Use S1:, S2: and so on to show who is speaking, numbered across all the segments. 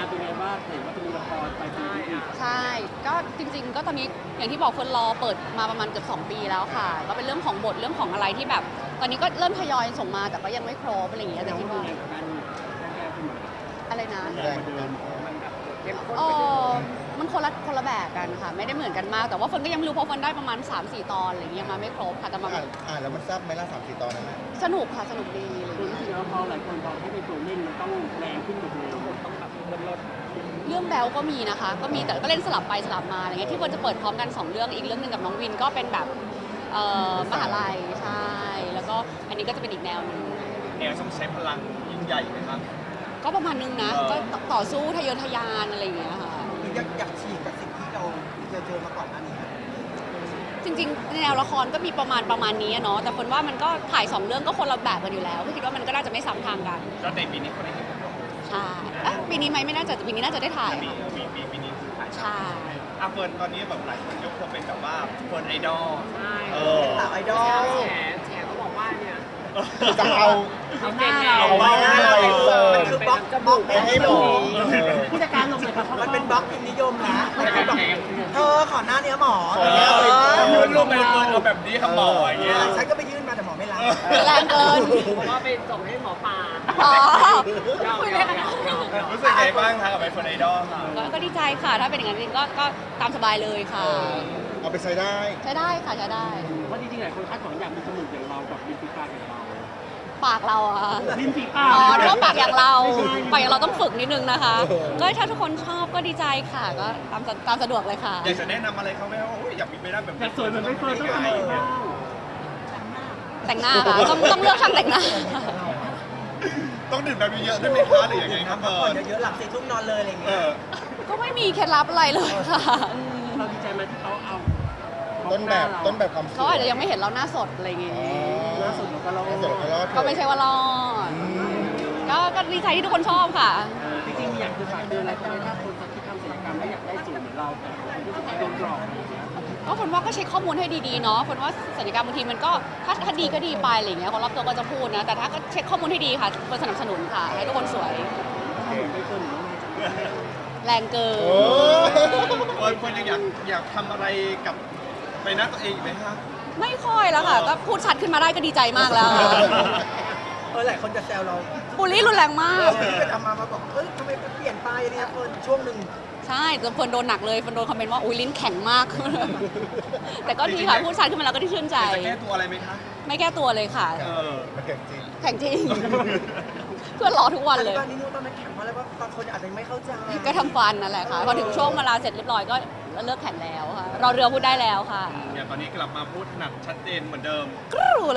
S1: านเป็นไงบ้างเห็นว่าจะมีละครไปปีนี้อีก
S2: ใช่ ก็จริงๆ ก็ตอนนี้อย่างที่บอกคนรอเปิดมาประมาณเกือบ2 ปีแล้วค่ะ ก็เป็นเรื่องของบทเรื่องของอะไรที่แบบ ตอนนี้ก็เริ่มทยอยส่งมาแต่ก็ยังไม่ครบอะไรอย่างเงี้ยแต่คิดว่า
S1: แรงกับการแก้ขึ้นมา
S2: อะไรนะ
S1: แรงกว่าเดิมมันแบบเข้มข้น
S2: เอ
S1: ไปเดิ
S2: อ
S1: ม
S2: มันคนละแบบกันค่ะ ไม่ได้เหมือนกันมาก แต่ว่าคนก็ยังไม่รู้เพราะคนได้ประมาณ 3-4 ตอนอะไรอย่างเงี้ยมาไม่ครบค่ะแต่มา
S3: แล้วมันแซ่บไหมล่ะ3-4 ตอนนั้นนะ
S2: สนุกค่ะสนุกดีอะไรอย่าง
S1: ดู
S2: เงี้ย
S1: รู้สึกว่าพอหลายคนบอกให้เป็นตัวเล่นมันต้องแรงขึ้นกว่าเดิมต้องแบบเลิศ
S2: เรื่องแบลก็มีนะคะ ก็มีแต่ก็เล่นสลับไปสลับมาอะไรเงี้ยที่ควรจะเปิดพร้อมกัน2 เรื่องอีกเรื่องหนึงกับน้องวินก็เป็นแบบมหาลัยใช่แล้วก็อันนี้ก็จะเป็นอีกแนวหนึง
S4: แนวต้องใช้พลังยิ่งใหญ่ไหมครับ
S2: ก็ประมาณนึงนะก็ต่อสู้ทะเยอทะยานอะไรอย่างเงี้ยค่ะ
S5: อยากฉีกกับสิ่งที่เราเจอมาก่อนหน้านี้
S2: จริงๆในแนวละครก็มีประมาณนี้อะเนาะแต่คนว่ามันก็ถ่าย2 เรื่องก็คนละแบบกันอยู่แล้วก็คิดว่ามันก็น่าจะไม่ซ้ำทางกัน
S4: ก็ในปีนี้คนได้เห็น
S2: ใช่ปีนี้ไหมไม่น่าจะปีนี้น่าจะได้ถ่าย
S4: ปีนี้คือถ่าย
S2: ใช่
S4: อาเฟิร์นตอนนี้แบบหลายคนยกเธอเป็นแบบว่าเฟิร์นไอดอล
S1: ใช่
S4: เออ
S5: สาวไอดอล
S1: แฉก็บอกว่าเนี่ย
S3: จะเอา
S1: เอาหน้าเรา
S3: เอาหน้าเราไปเปิด
S5: มันคือบล็อก
S1: จมูก
S3: ไปให้หมอ
S1: ผู้จัดการลงเลยครับ
S5: มันเป็นบล็อกพิมพ์นิยมนะมันคือแบบเธอขอหน้าเนี้ยหมอ
S4: ยืนลงไปเฟิร์นเอาแบบนี้ครับหมออย่างเงี้ย
S5: ฉันก็ไปยื่นมาแต่หมอไม่รับ
S2: แรงเกิน
S1: เพราะว่าไปส่งให้หมอปลา
S2: อ๋อ
S1: เยา
S2: คุย
S1: เยา
S2: เลยค่ะ
S1: เยาเยา
S4: รู้สึกไงบ้างคะกับเป็นเฟิร์นไอดอลค่ะ
S2: ก็ดีใจค่ะ ถ้าเป็นอย่างนั้นจริงก็ตามสบายเลยค่ะ
S3: เอาไปใช้ได้
S2: ใช้ได้ค่ะใช้ได้
S1: เพราะจริงๆหลายคนคาดหวังอยากมีจมูกอย่างเรากับริมฝีปากอย่างเรา
S2: ปากเราอะค่ะ
S1: ริมฝีปา
S2: อ๋
S1: ก
S2: อนึกว่าปากอย่างเรา
S1: ไม่ใช่
S2: ปากอย่างเราต้องฝึกนิดนึงนะคะ ก็ถ้าทุกคนชอบก็ดีใจค่ะ ก็ตามสะดวกเลยค่ะ
S4: อยากจะแนะนำอะไรเขาไหมว่าโอ้ยอยากมีไปได้แบบ
S1: แต่สวยเหมือนไม่เฟิร์นต้องทำอะไรบ้าง
S2: แต่งหน้าค่ะต้องเลือกช่างแต่งหน้า
S4: ต้องดื่มน้ำเยอะๆด้วยไหมคะหรือยังไงครับ
S5: พัก
S4: เฟิ
S5: ผ่อ
S4: ร์
S5: น
S4: น
S5: เยอะๆหลับ4 ทุ่มนอนเลยอะไรอย่าง
S4: เอ
S5: เงี้ย
S4: อ
S2: ก็ไม่มีเคล็ดลับอะไรเลยค่ะอืม
S1: เราดีใจไหมที่เขาเอา
S3: ต้นแบบความสวย
S2: เขาอาจจะยังไม่เห็นเราหน้าสดอะไรอย่าง
S3: อ๋
S2: เงี้
S3: อย
S1: ล่าสุดเราก็รอ
S3: หน้าสดก็รอดเถอะ
S2: ก็ไม่ใช่ว่ารอด
S3: อืม
S2: ก็ดีใจที่ทุกคนชอบค่ะ
S1: จริงๆอยากจะฝากเตือนอะไรคนถ้าคนจะคิดทำศัลยกรรมแล้วอยากได้สูตรเหมือนเราแต่คนที่โดนหลอกอะไรอย่างเงี้ย
S2: ก็คนว่าก็เช็คข้อมูลให้ดีๆเนาะคนว่าศัลยกรรมบางทีมันก็ถ้าดีก็ดีไปอะไรอย่างเงี้ยคนรอบตัวก็จะพูดนะ แต่ถ้าก็เช็คข้อมูลให้ดีค่ะคนสนับสนุนค่ะ ให้ทุกคนสวย
S1: ไม่เฟิร์นหรือว่าไงจ๊ะ
S2: แรงเกิ
S3: โอ้
S2: น
S4: เฟิร์นยังอยากทำอะไรกับใบหน้าตัวเองอีกไหมคะ
S2: ไม่ค่อยแล้วค่ะ ก็พูดชัดขึ้นมาได้ก็ดีใจมากแล้ว
S5: หลายคนจะแซวเรา
S2: บูลลี่รุนแรงมาก
S5: ที่ไปทำมาบอกเอ้ยทำไมเปลี่ยนไปเนี่ยเฟิร์นช่วงหนึ่ง
S2: ใช่แต่เฟิร์นโดนหนักเลยเฟิร์นโดนคอมเมนต์ว่าอุ้ยลิ้นแข็งมาก แต่ก็ดีค่ะพูดชัดขึ้นมาแล้วก็ได้ชื่นใจ
S4: จะแก้ตัวอะไรไหมคะ
S2: ไม่แก้ตัวเลยค่ะ
S4: เออ
S3: มันเก่งจริง
S2: แข็งจริง เพื่อนรอทุกวันเลย
S5: ตอนนี้นิ้วตอนนั้นแข็งเพราะอะไรว่าบางคนอาจจะไม่เข้าใจ
S2: ก็ทำฟันนั่นแหละค่ะ พอถึงช่วงเวลาเสร็จเรียบร้อยก็เลิกแข่งแล้วค่ะรอเรือพูดได้แล้วค่ะ
S4: อย่างตอนนี้กลับมาพูดถนัดชัดเจนเหมือนเดิม
S2: กรูเลย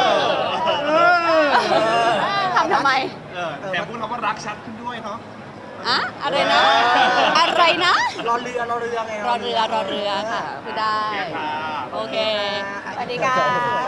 S2: ทำไม
S4: แต่พูดคำว่ารักชัดขึ้นด้วยเนาะ
S2: อะอะไรนะ อะไรนะ
S5: รอเรือไง
S2: รอเรือค่ะพูดได้
S4: โอเคค่ะ
S2: โอเค สวัสดีค่ะ